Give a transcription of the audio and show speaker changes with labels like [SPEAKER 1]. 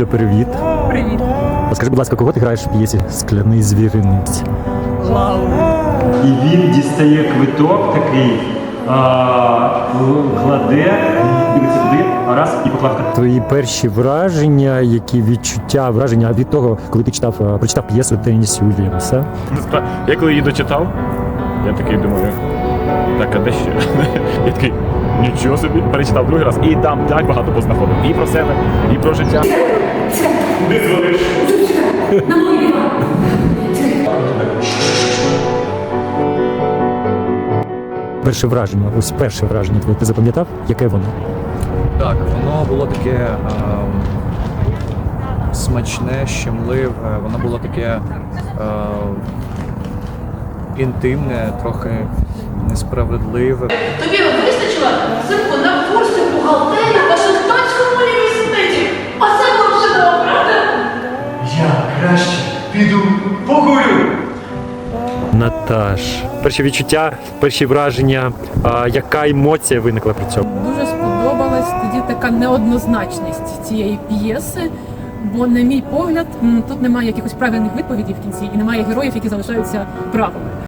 [SPEAKER 1] Оля, привіт.
[SPEAKER 2] Привіт.
[SPEAKER 1] Скажи, будь ласка, кого ти граєш в п'єсі «Скляний звіринець»?
[SPEAKER 2] Лауру.
[SPEAKER 1] І він дістає квиток такий, кладе, дивиться туди, раз і поклав. Твої перші враження, які відчуття, враження від того, коли ти прочитав п'єсу Теннісі Уільямса?
[SPEAKER 3] Я коли її дочитав, я такий думаю, так, а де ще? Я такий, нічого собі, перечитав другий раз і там так багато познаходив. І про себе, і про життя. Куди дзвониш?
[SPEAKER 1] Перше враження, ось перше враження твоє, ти запам'ятав? Яке воно?
[SPEAKER 4] Так, воно було таке смачне, щемливе, воно було таке інтимне, трохи несправедливе.
[SPEAKER 5] Тобі вистачило, синку, на курси бухгалтерії в Вашингтонському університеті. А це було чудово, правда?
[SPEAKER 6] Я краще піду покурю.
[SPEAKER 1] Наташ, перші відчуття, перші враження, яка емоція виникла при цьому?
[SPEAKER 2] Дуже сподобалась тоді така неоднозначність цієї п'єси, бо, на мій погляд, тут немає якихось правильних відповідей в кінці і немає героїв, які залишаються правими.